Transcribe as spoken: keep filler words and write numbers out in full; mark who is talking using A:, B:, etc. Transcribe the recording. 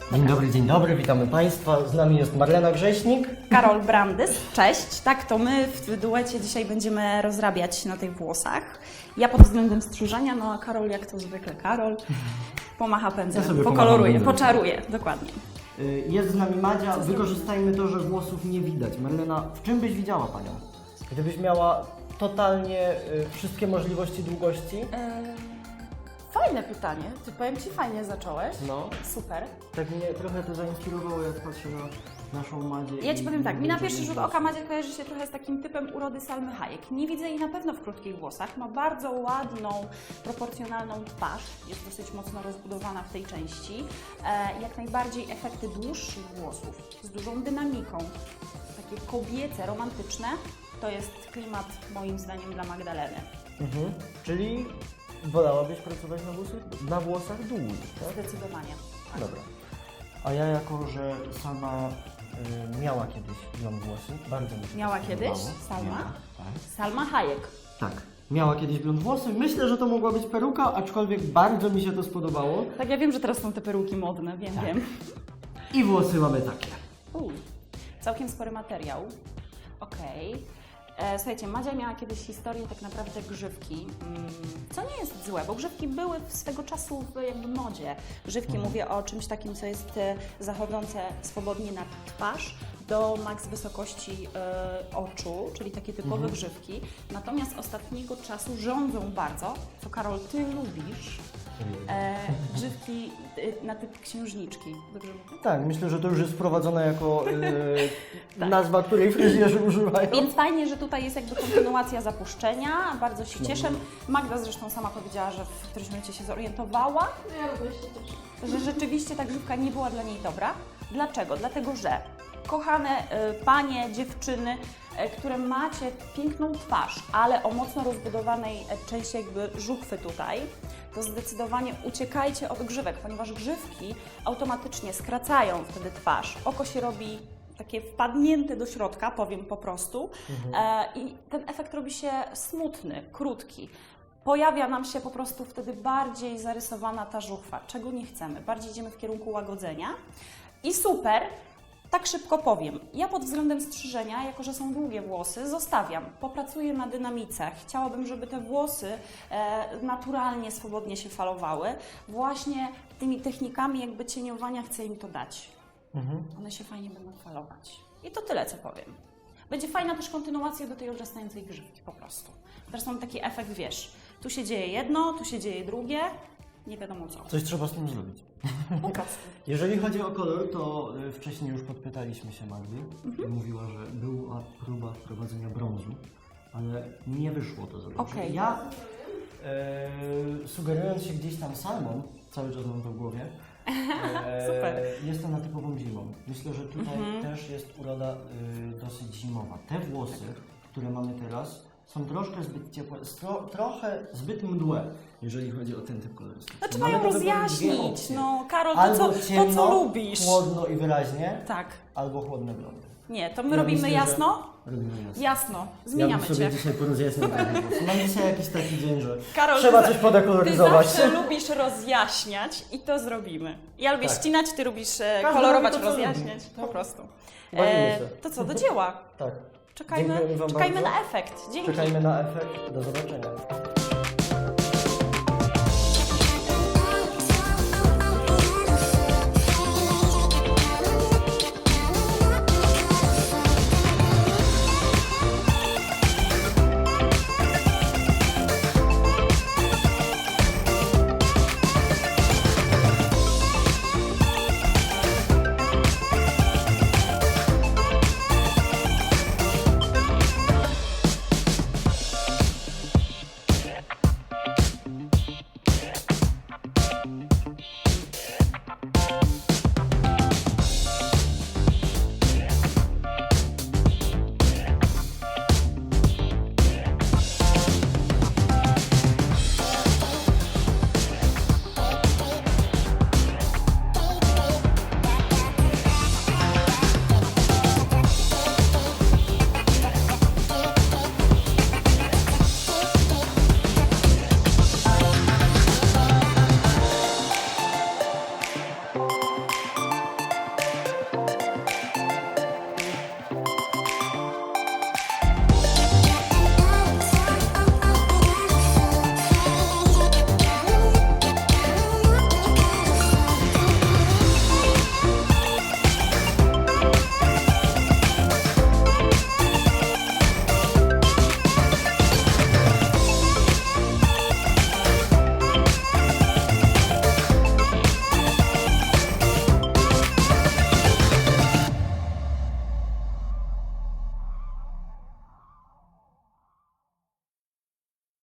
A: Dzień dobry, dzień dobry, witamy Państwa. Z nami jest Marlena Grześnik.
B: Karol Brandys, cześć. Tak, to my w duecie dzisiaj będziemy rozrabiać na tych włosach. Ja pod względem strzyżenia, no a Karol jak to zwykle Karol, pomacha pędzlem,
A: Ja sobie
B: pokoloruje,
A: pomacham
B: poczaruje, dokładnie.
A: Y, Jest z nami Madzia. Wykorzystajmy to, że włosów nie widać. Marlena, w czym byś widziała Panią? Gdybyś miała totalnie y, wszystkie możliwości długości?
C: Eee, Fajne pytanie. Ty powiem Ci, fajnie zacząłeś.
A: No.
C: Super.
A: Tak mnie trochę to zainspirowało, jak patrzę na naszą Madzię.
B: Ja Ci
A: i-
B: powiem tak,
A: i
B: mi na
A: dużo
B: pierwszy
A: jej
B: rzut
A: włosów.
B: oka Madzia kojarzy się trochę z takim typem urody Salmy Hayek. Nie widzę jej na pewno w krótkich włosach, ma bardzo ładną, proporcjonalną twarz, jest dosyć mocno rozbudowana w tej części. E, jak najbardziej efekty dłuższych włosów, z dużą dynamiką, takie kobiece, romantyczne, to jest klimat moim zdaniem dla Magdaleny.
A: Mhm. Czyli wolałabyś pracować na włosach, na włosach dłużej, tak?
B: Zdecydowanie. Tak.
A: Dobra. A ja jako, że sama y, miała kiedyś blond włosy, bardzo mi się
B: Miała
A: to
B: kiedyś?
A: podobało.
B: Salma?
A: Miała, tak.
B: Salma Hayek.
A: Tak. Miała kiedyś blond włosy. Myślę, że to mogła być peruka, aczkolwiek bardzo mi się to spodobało.
B: Tak, ja wiem, że teraz są te peruki modne, wiem,
A: Tak.
B: wiem.
A: I włosy mamy takie.
B: Uj, całkiem spory materiał. Okej. E, Słuchajcie, Madzia miała kiedyś historię tak naprawdę grzywki, mm, co nie jest złe, bo grzywki były w swego czasu w jakby modzie. Grzywki,
A: Mhm.
B: mówię o czymś takim, co jest e, zachodzące swobodnie na twarz, do maks wysokości e, oczu, czyli takie typowe
A: Mhm.
B: grzywki. Natomiast ostatniego czasu rządzą bardzo, co Karol, Ty lubisz, e, grzywki e, na typ księżniczki. Dobrze mówię?
A: Tak, myślę, że to już jest wprowadzone jako y,
B: Tak.
A: nazwa, której fryzjerzy używają.
B: Więc fajnie, że tutaj jest jakby kontynuacja zapuszczenia, bardzo się
A: No.
B: cieszę. Magda zresztą sama powiedziała, że w którymś momencie się zorientowała,
C: Ja również się cieszę.
B: że rzeczywiście ta grzywka nie była dla niej dobra. Dlaczego? Dlatego, że kochane y, panie, dziewczyny, y, które macie piękną twarz, ale o mocno rozbudowanej e, części jakby żuchwy tutaj, to zdecydowanie uciekajcie od grzywek, ponieważ grzywki automatycznie skracają wtedy twarz. Oko się robi takie wpadnięte do środka, powiem po prostu, e, i ten efekt robi się smutny, krótki. Pojawia nam się po prostu wtedy bardziej zarysowana ta żuchwa, czego nie chcemy. Bardziej idziemy w kierunku łagodzenia. I super, tak szybko powiem. Ja pod względem strzyżenia, jako że są długie włosy, zostawiam. Popracuję na dynamice. Chciałabym, żeby te włosy e, naturalnie, swobodnie się falowały. Właśnie tymi technikami jakby cieniowania chcę im to dać.
A: Mhm.
B: One się fajnie będą falować. I to tyle, co powiem. Będzie fajna też kontynuacja do tej obrastającej grzywki po prostu. Zresztą taki efekt, wiesz, tu się dzieje jedno, tu się dzieje drugie, nie wiadomo co.
A: Coś trzeba z tym zrobić.
B: Po prostu.
A: Jeżeli chodzi o kolor, to y, wcześniej już podpytaliśmy się Magdy.
B: Mhm.
A: Mówiła, że była próba wprowadzenia brązu, ale nie wyszło to za dobrze.
B: Okej.
A: Ja, e, sugerując się gdzieś tam salmą, cały czas mam to w głowie, e,
B: Super.
A: jestem na typową zimą. Myślę, że tutaj
B: Mhm.
A: też jest uroda y, dosyć zimowa. Te włosy, które mamy teraz, są troszkę zbyt ciepłe, stro, trochę zbyt mdłe, jeżeli chodzi o ten typ kolorystyki.
B: Znaczy
A: Mamy
B: mają
A: do wyboru dwie
B: rozjaśnić,
A: opcje.
B: no Karol, to
A: Albo
B: co, to
A: ciemno,
B: co lubisz.
A: chłodno i wyraźnie,
B: Tak.
A: albo chłodne blondy.
B: Nie, to my
A: Ja
B: robimy
A: myślę, że
B: jasno?
A: Robimy jasno.
B: Jasno,
A: Ja
B: zmieniamy
A: bym sobie
B: Cię.
A: dzisiaj porozjaśniał trochę włosy. Mam dzisiaj jakiś taki dzień, że
B: Karol,
A: trzeba
B: ty
A: coś
B: za-
A: podekoloryzować.
B: Ty zawsze lubisz rozjaśniać i to zrobimy. Ja lubię
A: Tak.
B: ścinać, ty lubisz e,
A: Każdy
B: kolorować,
A: robi to, co
B: rozjaśniać.
A: lubi.
B: Po prostu.
A: Bawimy się.
B: to co, do dzieła.
A: Tak.
B: Czekajmy,
A: Dziękujemy wam
B: czekajmy
A: bardzo.
B: na efekt. Dzięki.
A: Czekajmy na efekt. Do zobaczenia.